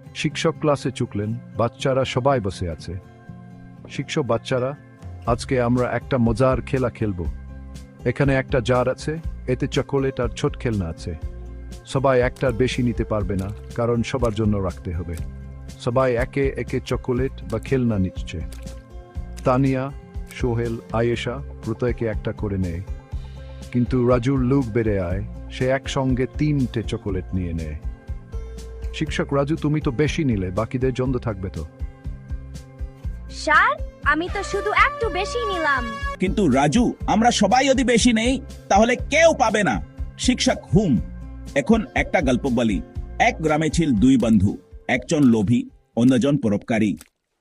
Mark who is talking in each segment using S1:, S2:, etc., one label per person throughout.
S1: শিক্ষক ক্লাসে চুকলেন, বাচ্চারা সবাই বসে আছে। শিক্ষক, বাচ্চারা, আজকে আমরা একটা মজার খেলা খেলব। এখানে একটা জার আছে, এতে চকোলেট আর ছোট খেলনা আছে। সবাই একটার বেশি নিতে পারবে না, কারণ সবার জন্য রাখতে হবে। সবাই একে একে চকোলেট বা খেলনা নিচ্ছে। তানিয়া, সোহেল, আয়েশা প্রত্যেকে একটা করে নেয়, কিন্তু রাজুর লুক বেড়ে আয়, সে একসঙ্গে 3টে চকোলেট নিয়ে নেয়। শিক্ষক, রাজু তুমি তো বেশি নিলে, বাকিদের জন্য থাকবে তো?
S2: স্যার, আমি তো শুধু একটু বেশি নিলাম।
S3: কিন্তু রাজু, আমরা সবাই যদি বেশি নেই তাহলে কেউ পাবে না। শিক্ষক হুম। এখন একটা গল্প বলি। এক গ্রামে ছিল 2 বন্ধু, একজন লোভী, অন্যজন পরোপকারী।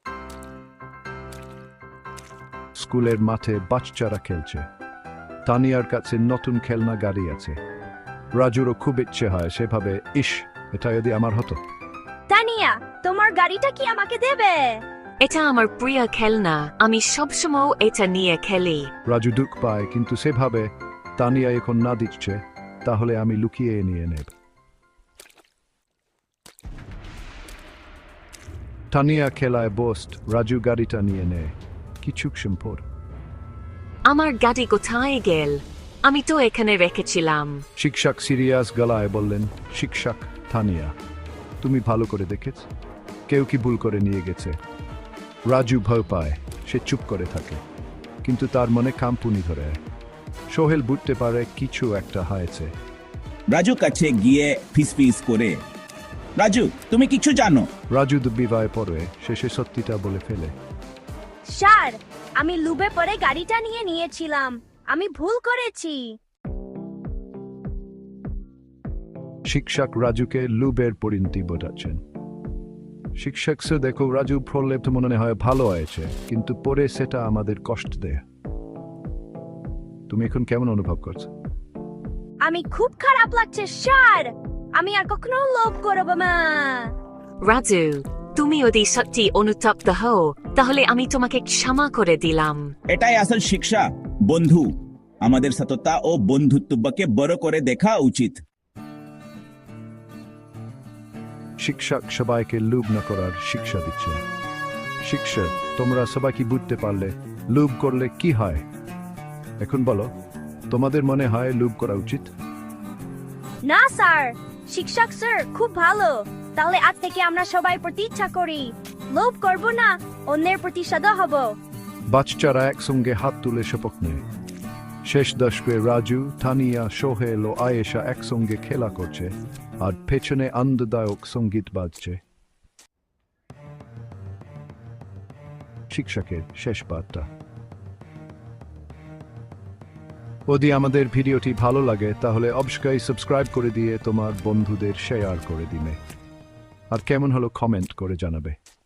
S1: স্কুলের মাঠে বাচ্চারা খেলছে। তানিয়ার কাছে নতুন খেলনা গাড়ি আছে। রাজুরও খুব ইচ্ছে হয়, সেভাবে, ইস, এটা যদি আমার হতো।
S2: তানিয়া, তোমার গাড়িটা কি আমাকে দেবে?
S4: এটা আমার প্রিয় খেলনা, আমি সবসময় এটা নিয়ে খেলি।
S1: রাজু দুঃখ পায়, কিন্তু সেভাবে, তানিয়া এখন না দিচ্ছে, তাহলে আমি লুকিয়ে নিয়ে নেব। তানিয়া খেলায় বোস্ট, রাজু গাড়িটা নিয়ে নেয়। কিছুক্ষণ পর
S4: আমার গাড়ি কোথায় গেল? আমি তো এখানে রেখেছিলাম।
S1: শিক্ষক সিরিয়াস গলায় বললেন, শিক্ষক, তানিয়া, তুমি ভালো করে দেখেছ, কেউ কি ভুল করে নিয়ে গেছে? রাজু ভয় পায়, সে চুপ করে থাকে, কিন্তু তার মনে কাঁপুনি ধরে। সোহেল বুঝতে পারে কিছু একটা হয়েছে।
S3: রাজু কাছে গিয়ে ফিসফিস করে, রাজু, তুমি কিছু জানো?
S1: রাজু বিবাহে পড়ে শেষে সত্যিটা বলে ফেলে।
S2: স্যার, আমি লুবে পরে গাড়িটা নিয়ে নিয়েছিলাম, আমি ভুল করেছি।
S1: শিক্ষক রাজুকে লুবের পরিণতি বোঝাচ্ছেন। শিক্ষক সে দেখো, রাজু প্রলেপ মনে হয় ভালো হয়েছে, কিন্তু পরে সেটা আমাদের কষ্ট দেয়। তুমি এখন কেমন অনুভব করছো?
S2: আমি খুব খারাপ লাগছে স্যার, আমি আর কখনো লোভ করব না।
S4: রাজু, তুমি যদি সত্যি অনুতপ্ত হও, তাহলে আমি তোমাকে ক্ষমা করে দিলাম।
S3: এটাই আসল শিক্ষা, বন্ধু। আমাদের সততা ও বন্ধুত্বকে বড় করে দেখা উচিত।
S1: শিক্ষক সবাইকে লোভ না করার শিক্ষা দিচ্ছে। শিক্ষক, তোমরা সবাই কি বুঝতে পারলে লোভ করলে কি হয়? এখন বলো, তোমাদের মনে হয় লোভ করা উচিত?
S2: না স্যার, শিক্ষক স্যার খুব ভালো। তাহলে আজ থেকে আমরা সবাই প্রতিজ্ঞা করি, লোভ করব না, অন্যের প্রতি সদা হব।
S1: বাচ্চারা একসঙ্গে হাত তুলে শপথ নেয়। শেষ দশকে রাজু, তানিয়া, সোহেল ও আয়েশা একসঙ্গে খেলা করছে, আর পেছনে আনন্দদায়ক সঙ্গীত বাজছে। শিক্ষকের শেষ বার্তা। যদি আমাদের ভিডিওটি ভালো লাগে তাহলে অবশ্যই সাবস্ক্রাইব করে দিয়ে তোমার বন্ধুদের শেয়ার করে দিবে, আর কেমন হলো কমেন্ট করে জানাবে।